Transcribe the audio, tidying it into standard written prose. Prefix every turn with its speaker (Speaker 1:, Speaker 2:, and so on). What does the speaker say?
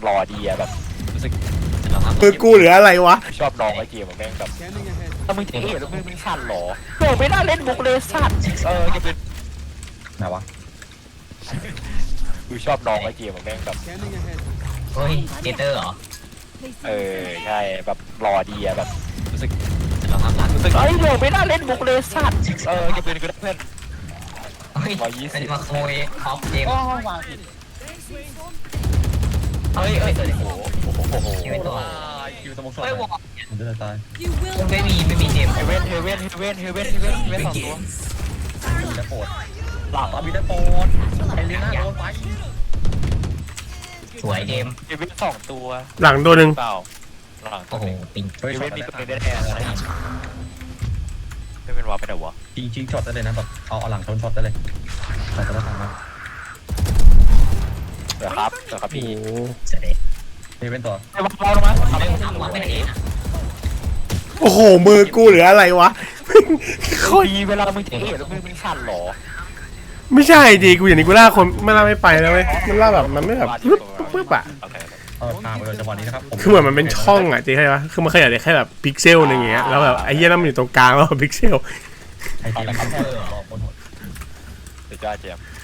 Speaker 1: รอดีอะแบบรู้สึก
Speaker 2: มือกูเหลืออะไรวะ
Speaker 1: ชอบลองไอ้เกมแม่งแบบถ้ามึงจะเอ๋แล้วมึงสั่นหรอโดไม่น่าเล่นมุกเลยสั่นจะเป็น
Speaker 3: ไหนวะ
Speaker 1: กูชอบลองไอ้เกมแม่งแบบ
Speaker 4: เฮ้ยเจเตอร์เหรอ
Speaker 1: ใช่แบบรอดีอะแบบรู้สึก
Speaker 4: เราทำรัก
Speaker 1: รู้สึกโดไม่น่าเล่นมุกเลยสั่นจะเป็นกูได้เพื่อน
Speaker 4: เฮ้ย
Speaker 1: 120
Speaker 4: เป็นมาโคยออฟเกม
Speaker 1: วางผิด
Speaker 4: เฮ้ยโอ้โห
Speaker 1: คิ
Speaker 4: ไม่ตัว
Speaker 3: คิวตะมกสด
Speaker 4: เฮ้ยวอล
Speaker 3: ผมจะตาย
Speaker 4: ไม่มีเจม
Speaker 1: เฮเว่นสองตัว
Speaker 3: มีแต่โปรด
Speaker 1: หลัง
Speaker 3: มีแต่โปรดไอลิน่าโดนไป
Speaker 4: สวยเจม
Speaker 1: เฮเว่นสองตัว
Speaker 2: หลังตัวหนึ่ง
Speaker 1: เปล่าหลังตั
Speaker 4: โอ้
Speaker 1: ว
Speaker 4: โห
Speaker 1: นึง
Speaker 4: ปิง
Speaker 1: เฮเว่นมีตัวนึงแน่ๆเลยไม่เป็นวะไปไหนวะ
Speaker 3: จริงช็อตได้เลยนะแบบเอาหลังชนช็อตได้เลยใส่กระถางมา
Speaker 1: เดี๋ยวครับ
Speaker 2: โอ้
Speaker 1: พี่
Speaker 2: โห
Speaker 4: เสร็จเลย
Speaker 3: นี่เป็นตัว
Speaker 1: ไอ้วางเราลงมา
Speaker 4: เอาไปทำวะไม่ได้เอง
Speaker 2: โอ้โหมือกูเหลืออะไรวะโคตร
Speaker 1: ดีเวลามึงจะเอ๋แล้วมึงสั่นหรอ
Speaker 2: ไม่ใช่ดีกูอย่างนี้กูล่าคนไม่ล่าไม่ไปแล้วเว้ยมันล่าแบบมันไม่แบบปึ๊บอะ
Speaker 3: ทางไปเลยจังหวะนี้นะครับ
Speaker 2: คือเหมือนมันเป็นช่องอะจริงใช่ปะคือมันขยายได้แค่แบบพิกเซลนึงอย่างเงี้ยแล้วแบบไอ้เหี้ยนั่นมันอยู่ตรงกลางแล้วพิกเซล
Speaker 3: ไอเกมรอบนหัว
Speaker 1: สุดยอดเจม